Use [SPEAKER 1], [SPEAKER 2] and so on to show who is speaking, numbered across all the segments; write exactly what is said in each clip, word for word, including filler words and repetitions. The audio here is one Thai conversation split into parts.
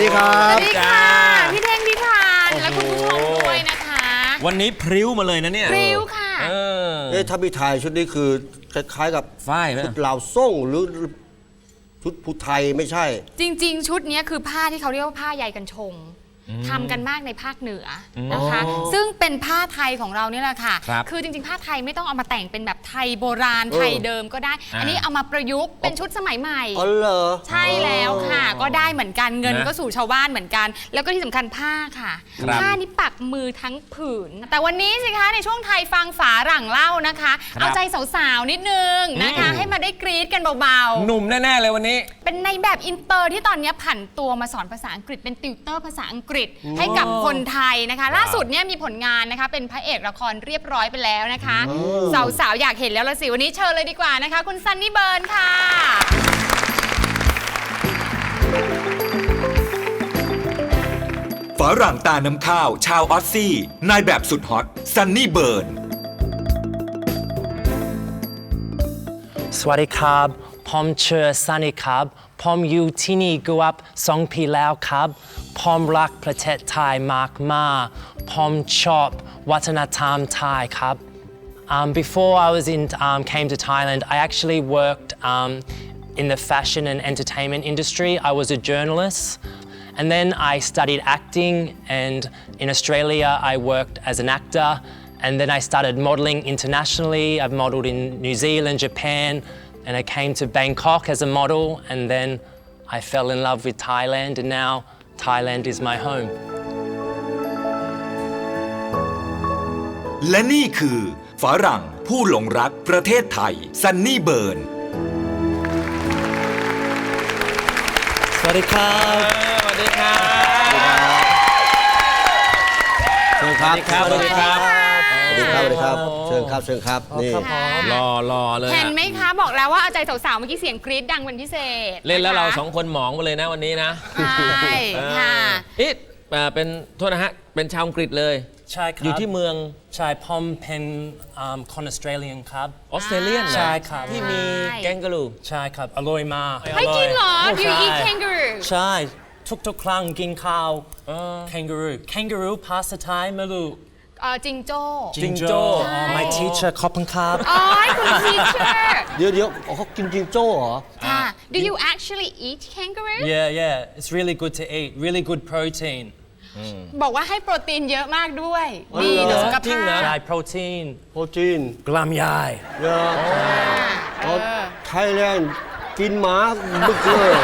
[SPEAKER 1] ดีครับ
[SPEAKER 2] สวัสดีค่ะพี่เท่งพี่ทานและคุณผู้ชมด้วยนะคะ
[SPEAKER 3] วันนี้พริ้วมาเลยนะเนี่ย
[SPEAKER 2] พริ้วค่ะเอ
[SPEAKER 1] อเอ๊ะถ้าพี่ทายชุดนี้คือคล้ายๆกับ
[SPEAKER 3] ฝ้ายไหม
[SPEAKER 1] ชุดลาวส่งหรือชุดผู้ไทยไม่ใช่
[SPEAKER 2] จริงๆชุดนี้คือผ้าที่เขาเรียกว่าผ้าใยกันชงทำกันมากในภาคเหนือนะคะซึ่งเป็นผ้าไทยของเราเนี่ยแหละค่ะคือจริงๆผ้าไทยไม่ต้องเอามาแต่งเป็นแบบไทยโบราณไทยเดิมก็ได้อันนี้เอามาประยุกต์เป็นชุดสมัยใหม่
[SPEAKER 1] อ๋อเหรอ
[SPEAKER 2] ใช่แล้วค่ะก็ได้เหมือนกันเงินก็สู่ชาวบ้านเหมือนกันแล้วก็ที่สำคัญผ้าค่ะผ้านี้ปักมือทั้งผืนแต่วันนี้สิคะในช่วงไทยฟังฝาหลังเล่านะคะเอาใจสาวๆนิดนึงนะคะให้มาได้กรี๊ดกันเบา
[SPEAKER 3] ๆหนุ่มแน่ๆเลยวันนี้
[SPEAKER 2] เป็นในแบบอินเตอร์ที่ตอนนี้ผันตัวมาสอนภาษาอังกฤษเป็นติวเตอร์ภาษาอังกฤษให้กับคนไทยนะคะล่าสุดเนี่ยมีผลงานนะคะเป็นพระเอกละครเรียบร้อยไปแล้วนะคะสาวๆอยากเห็นแล้วละสิวันนี้เชิญเลยดีกว่านะคะคุณซันนี่เบิร์นค่ะ
[SPEAKER 4] ฝรั่งตาน้ำข้าวชาวออสซี่นายแบบสุดฮอตซันนี่เบิร์น
[SPEAKER 5] สวัสดีครับผมชื่อซันนี่ครับผมอยู่ที่นี่กูอัพสองปีแล้วครับผมรักประเทศไทยมากมาผมชอบวัฒนธรรมไทยครับ um, Before I was in um, came to Thailand I actually worked um, in the fashion and entertainment industry I was a journalist and then I studied acting and in Australia I worked as an actor and then I started modeling internationally I've modeled in New Zealand Japan and I came to Bangkok as a model and then I fell in love with Thailand and now Thailand is my home
[SPEAKER 4] และนี่คือฝรั่งผู้หลงรักประเทศไทยซันนี่เบิร์น
[SPEAKER 5] สวัสดีครับ
[SPEAKER 3] สวัสดีครับ
[SPEAKER 1] เชิญครับ
[SPEAKER 3] สวัสดีครับ
[SPEAKER 1] สวัสดีครับสวัสดีครับเชิญครับเชิญครับนี่
[SPEAKER 3] รอรอเลย
[SPEAKER 2] เห็นไหมคะบอกแล้วว่าเอาใจสาวๆเมื่อกี้เสียงกรี๊ดดังเป็นพิเศษ
[SPEAKER 3] เล่นแล้วเราสองคนหมองมาเลยนะวันนี้นะ
[SPEAKER 2] ใช่ค่ะ
[SPEAKER 3] อีทเป็นโทษนะฮะเป็นชาวอังกฤษเลย
[SPEAKER 5] ใช่ครับ
[SPEAKER 3] อยู่ที่เมือง
[SPEAKER 5] ใช่ผมเป็นคนออสเตรเลียนครับ
[SPEAKER 3] ออสเตรเลียน
[SPEAKER 5] ใช่ครับ
[SPEAKER 3] ที่มีแกงกะรู
[SPEAKER 5] ใช่ครับอร่อยมาก
[SPEAKER 2] ให้กินเหรอ Do you eat kangaroo
[SPEAKER 5] ใช่ทุกๆครั้งกินข้าวแคนการูแคนการูภาษาไทยไม่รู้
[SPEAKER 2] จิงโจ้
[SPEAKER 3] จิงโจ้
[SPEAKER 5] My teacher ขอบคุณครับ
[SPEAKER 2] อ๋อคุณ teacher
[SPEAKER 1] เดี๋ยวเดี๋ยวเขากินจิงโจ้เหรอ
[SPEAKER 2] ค่ะ Do you actually eat kangaroo
[SPEAKER 5] Yeah yeah it's really good to eat really good protein
[SPEAKER 2] บอกว่าให้โปรตีนเยอะมากด้วยดีต่อสุขภาพ
[SPEAKER 5] ใช่โปรตีน
[SPEAKER 1] โปรตีน
[SPEAKER 5] กล้ามใหญ่
[SPEAKER 1] เยอะไทยแลนด์กินหมาบึกเลย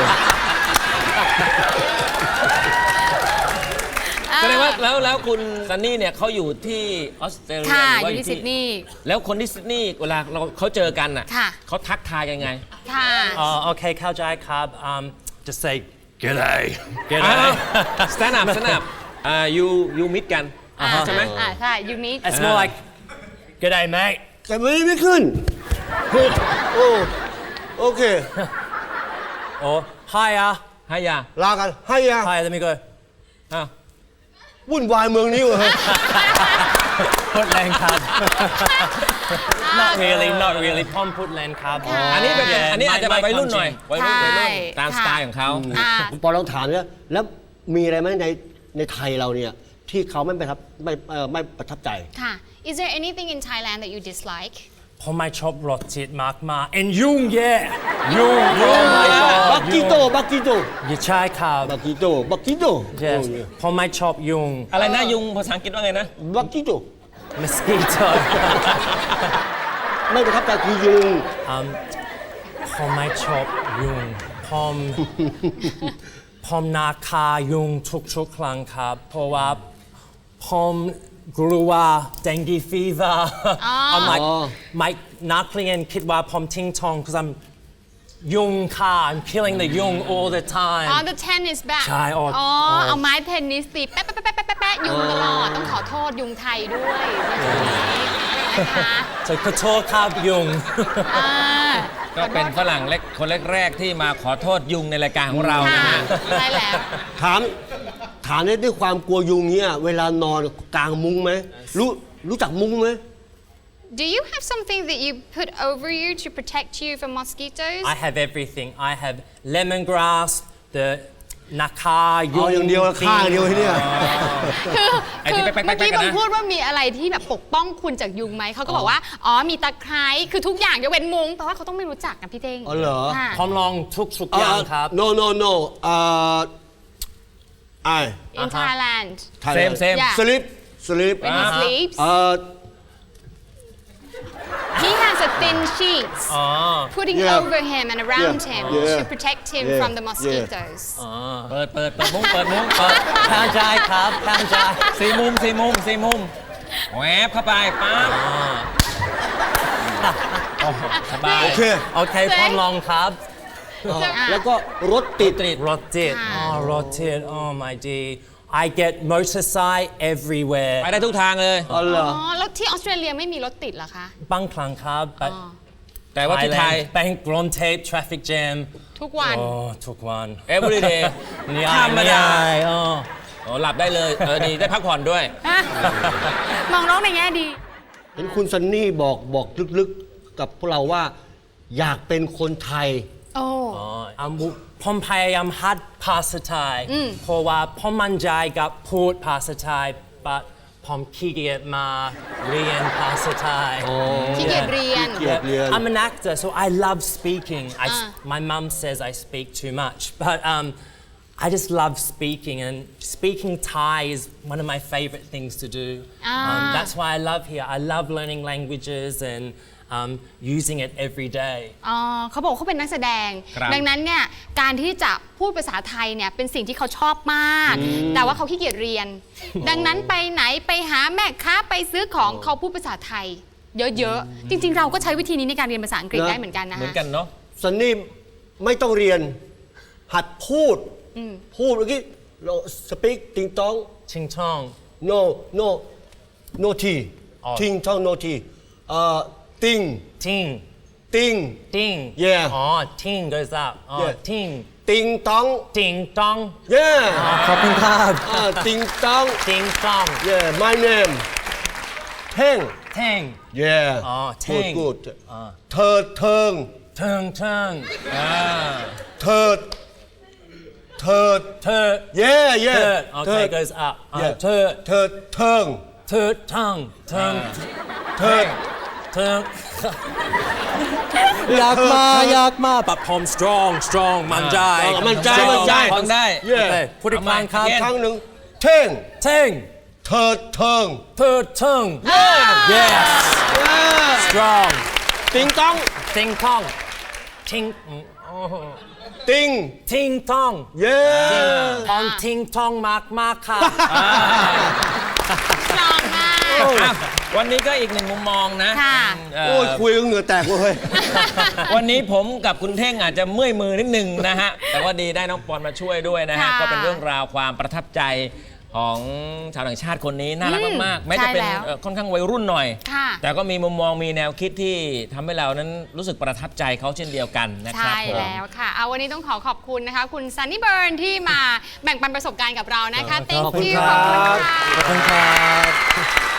[SPEAKER 3] แสดงว่าแล้วแล้วคุณซันนี่เนี่ยเขาอยู่ที่ออสเตรเลีย
[SPEAKER 2] หรือว่าอยู่ที่ซิดนีย์
[SPEAKER 3] แล้วคนที่ซิดนีย์เวลาเราเขาเจอกันอ่ะเขาทักทายยังไง
[SPEAKER 2] ค่ะ
[SPEAKER 5] อ๋อโอเคเข้าใจครับ just say g'day g'day
[SPEAKER 3] stand up stand up อ่า you you meet กันใช่ไหม
[SPEAKER 2] อ่าใช่ you meet
[SPEAKER 5] it's more like g'day mate
[SPEAKER 1] แต่ไม่ไม่ขึ้นโอ้โอเค
[SPEAKER 5] โอ้ hi อ่ะ
[SPEAKER 3] hi อ่ะ
[SPEAKER 1] ลากัน hi อ่ะ
[SPEAKER 5] hi let me go
[SPEAKER 3] อ้าว
[SPEAKER 1] วุ่นวายเมืองนี้วะ
[SPEAKER 5] พูดแรงครับ not really not really พ่อมพูดแรงครับ
[SPEAKER 3] อันนี้เป็นอันนี้อาจจะไปรุ่นหน่อยวัยรุ่นวัยรุ่นตามสไตล์ของเขา
[SPEAKER 1] พอเราถามเนี่ยแล้วมีอะไรไหมในในไทยเราเนี่ยที่เขาไม่ประทับไม่ไม่ประทับใจ
[SPEAKER 2] ค่ะ Is there anything in Thailand that you dislike
[SPEAKER 5] ผมไม่ชอบรสจิตมากมา and ยุงแย่ยุงยุง
[SPEAKER 1] บักกิโตบักกิโต
[SPEAKER 5] ใช่ครับ
[SPEAKER 1] บักกิโตบักกิโต
[SPEAKER 5] ผมไม่ชอบยุง
[SPEAKER 3] อะไรนะยุงภาษาอังกฤษว่าไงนะ
[SPEAKER 1] บักกิโต
[SPEAKER 5] mosquito
[SPEAKER 1] ไม่ประทับใจคือยุง
[SPEAKER 5] ผมไม่ชอบยุงผมผมนาคายุงทุกๆครั้งครับเพราะว่าผมกลัว dengue fever เอาไม่ไม่นักเรียนคิดว่าผมทิ้งทอง because I'm ยุงค่ะ I'm killing the ยุง all the time
[SPEAKER 2] อ๋อ the tennis bat
[SPEAKER 5] ใช่อ๋อ
[SPEAKER 2] เอาไม้เทนนิสตีแป๊ะแป๊ะแป๊ะแป๊ะแป๊ะยุงตลอดต้องขอโทษยุงไทยด้วยนะคะ
[SPEAKER 5] จะขอโทษครับยุง
[SPEAKER 3] ก็เป็นฝรั่งเล็กคนแรกๆที่มาขอโทษยุงในรายการของเรานะฮะ
[SPEAKER 2] ใช่แล้ว
[SPEAKER 1] ถามถามด้วยความกลัวยุงเนี่ยเวลานอนกลางมุ้งไหมรู้รู้จักมุ้งไหม
[SPEAKER 2] Do you have something that you put over you to protect you from mosquitoes?
[SPEAKER 5] I have everything. I have lemongrass, the นะคะ
[SPEAKER 1] เอาอย่างเดียวละข้างเดียวที่เนี่ย
[SPEAKER 2] คือ
[SPEAKER 3] ไอ้
[SPEAKER 2] คื
[SPEAKER 3] ที่
[SPEAKER 2] อ
[SPEAKER 3] แป๊กๆๆๆ
[SPEAKER 2] เมื่อกี้
[SPEAKER 3] กัน
[SPEAKER 2] ผ
[SPEAKER 3] นะ
[SPEAKER 2] มพูดว่ามีอะไรที่แบบปกป้องคุณจากยุงไหม เขาก็บอกว่า อ๋อ มีตะไคร้คือทุกอย่างยกเว้นมุ้งแปลว่าเขาต้องไม่รู้จักนะพี่เต้ง
[SPEAKER 1] อ๋อเหรอ
[SPEAKER 2] ค่ะ
[SPEAKER 5] พร้อมลองทุกทุกๆอย่างครับ
[SPEAKER 1] no no no เอ่อไอ
[SPEAKER 2] in Thailand
[SPEAKER 3] Same same
[SPEAKER 2] Yeah.
[SPEAKER 1] sleep sleep
[SPEAKER 2] when he sleeps
[SPEAKER 1] เอ่อ
[SPEAKER 2] he has a thin sheet
[SPEAKER 5] อ๋อ
[SPEAKER 2] putting
[SPEAKER 1] Yeah.
[SPEAKER 2] over him and around
[SPEAKER 1] Yeah.
[SPEAKER 2] him
[SPEAKER 1] Yeah.
[SPEAKER 2] to protect him
[SPEAKER 1] Yeah.
[SPEAKER 2] from the mosquitoes
[SPEAKER 3] เปิดเปิดเปิดมุ้งเปิดมุ้งเปิด
[SPEAKER 5] ทางใจครับทางใจ
[SPEAKER 3] สี่มุมสี่มุมสี่มุมแหวบเข้าไปปั๊บโอ้โหสบาย
[SPEAKER 1] โอเค
[SPEAKER 5] โอเคพร้อมลองครับ
[SPEAKER 1] แล้วก็รถติด
[SPEAKER 5] รถติดอ๋อรถติด oh my d I get motorcycle everywhere
[SPEAKER 3] ไปได้ทุกทางเลย
[SPEAKER 1] อ๋อเหรอ
[SPEAKER 2] อ๋อ แล้วที่ออสเตรเลียไม่มีรถติดเหรอคะ
[SPEAKER 5] บางครั้งครับ but
[SPEAKER 3] แต่ว่าที่ไทย
[SPEAKER 5] แบงก์กรอนเทป traffic jam
[SPEAKER 2] ทุกวัน
[SPEAKER 5] โอ้ทุกวัน
[SPEAKER 3] every day
[SPEAKER 5] นี่
[SPEAKER 3] ธรรมดา
[SPEAKER 5] อ๋อ
[SPEAKER 3] โอ้หลับได้เลย เออดีได้พักผ่อนด้วย
[SPEAKER 2] มองโลกในแง่ดี
[SPEAKER 1] เห็นคุณซันนี่บอกบอกลึกๆกับพวกเราว่า อยากเป็นคนไทย
[SPEAKER 2] โอ้
[SPEAKER 5] อ๋ออ่ะมุผมพยายามหัดภาษาไทยเพราะว่าผมมั่นใจกับพูดภาษาไทย but ผมขี้เกียจมาเรียนภาษาไทย
[SPEAKER 2] ขี้เกียจเรียน
[SPEAKER 1] ขี้เกียจ เรียน
[SPEAKER 5] I'm an actor, so I love speaking. I, s-
[SPEAKER 2] Ah.
[SPEAKER 5] My mum says I speak too much, but um, I just love speaking, and speaking Thai is one of my favorite things to do. Um,
[SPEAKER 2] Ah.
[SPEAKER 5] that's why I love here. I love learning languages and um, using it every day.
[SPEAKER 2] อ๋อเขาบอกเขาเป็นนักแสดง
[SPEAKER 3] ครับ
[SPEAKER 2] ดังนั้นเนี่ยการที่จะพูดภาษาไทยเนี่ยเป็นสิ่งที่เขาชอบมาก แต่ว่าเขาขี้เกียจเรียน ดังนั้นไปไหนไปหาแม่ค้าไปซื้อของเขาพูดภาษาไทย เยอะๆ จริง ๆ เราก็ใช้วิธีนี้ในการเรียนภาษาอังกฤษ
[SPEAKER 1] นะ
[SPEAKER 2] ได้เหมือนกันนะ
[SPEAKER 3] เหมือน
[SPEAKER 2] ฮะ
[SPEAKER 3] กันเนาะ
[SPEAKER 1] ซันนี่ไม่ต้องเรียน หัดพูด พูดเมื่อกี้เราสปีกติงตอง
[SPEAKER 5] Ching chong.
[SPEAKER 1] no no no t
[SPEAKER 5] อ๋อ
[SPEAKER 1] ติงตอง no t เอ่อติง
[SPEAKER 5] Ting.
[SPEAKER 1] ติง
[SPEAKER 5] Ding.
[SPEAKER 1] Yeah.
[SPEAKER 5] Oh, ting goes up. Oh,
[SPEAKER 1] Yeah.
[SPEAKER 5] ting.
[SPEAKER 1] ติงตอง
[SPEAKER 5] Ding dong.
[SPEAKER 1] yeah
[SPEAKER 5] ขอบคุณครับ
[SPEAKER 1] เอ่อติงตอง
[SPEAKER 5] Ding dong.
[SPEAKER 1] yeah my name เท่ง
[SPEAKER 5] Tang.
[SPEAKER 1] yeah
[SPEAKER 5] อ๋อ
[SPEAKER 1] good
[SPEAKER 5] เท่ง
[SPEAKER 1] good เธอเทิง
[SPEAKER 5] Tung tung.
[SPEAKER 1] เถิดเถิด
[SPEAKER 5] Turt.
[SPEAKER 1] yeah yeah
[SPEAKER 5] Turt.
[SPEAKER 1] เถิ
[SPEAKER 5] Okay,
[SPEAKER 1] ด
[SPEAKER 5] goes up. Uh,
[SPEAKER 1] yeah
[SPEAKER 5] Turt.
[SPEAKER 1] เถิดเทิง
[SPEAKER 5] Turt tongue. Tung.
[SPEAKER 1] เถิด
[SPEAKER 5] Tung. อยากมาอยากมาปับผม strong strong มั่นใจ
[SPEAKER 1] มั่นใจ
[SPEAKER 5] Strong
[SPEAKER 1] มั่นใจ
[SPEAKER 3] ฟังได้
[SPEAKER 1] yeah
[SPEAKER 5] โอเคพูดอีกครั้งครับ
[SPEAKER 1] ครั้งหนึ่งเท่ง
[SPEAKER 5] เท่ง
[SPEAKER 1] เถิดเทิง
[SPEAKER 5] Turt tongue. Yes. Strong.
[SPEAKER 1] ติงตอง
[SPEAKER 5] Ting tong. Ting. Oh.
[SPEAKER 1] ติง
[SPEAKER 5] Ting tong.
[SPEAKER 1] yeah
[SPEAKER 5] ทองทิ้งทองมากมากค่ะ
[SPEAKER 2] ลองมาก
[SPEAKER 3] อ่ะวันนี้ก็อีกหนึ่งมุมมองนะ
[SPEAKER 2] ค่ะ
[SPEAKER 3] เอ่อ
[SPEAKER 1] โอ้ยคุยกันเหงื่อแตกเลย
[SPEAKER 3] วันนี้ผมกับคุณเท่งอาจจะเมื่อยมือนิดนึงนะฮะ แต่ว่าดีได้น้องปอนมาช่วยด้วยนะฮะ
[SPEAKER 2] ค่ะ
[SPEAKER 3] ก็เป็นเรื่องราวความประทับใจของชาวต่างชาติคนนี้น่ารักมากๆแม้จะเป็น
[SPEAKER 2] ใช่แล้ว
[SPEAKER 3] เอ่อค่อนข้างวัยรุ่นหน่อย
[SPEAKER 2] ค่ะ
[SPEAKER 3] แต่ก็มีมุมมองมีแนวคิดที่ทำให้เรานั้นรู้สึกประทับใจเขาเช่นเดียวกันนะครับ
[SPEAKER 2] ใช่
[SPEAKER 3] ผม
[SPEAKER 2] แล้วค่ะ เอาวันนี้ต้องขอขอบคุณนะคะ คุณซันนี่เบิร์นที่มาแบ่งปันประสบการณ์กับเรานะคะ thank you ขอบคุณค่ะ
[SPEAKER 5] ขอบคุณครับ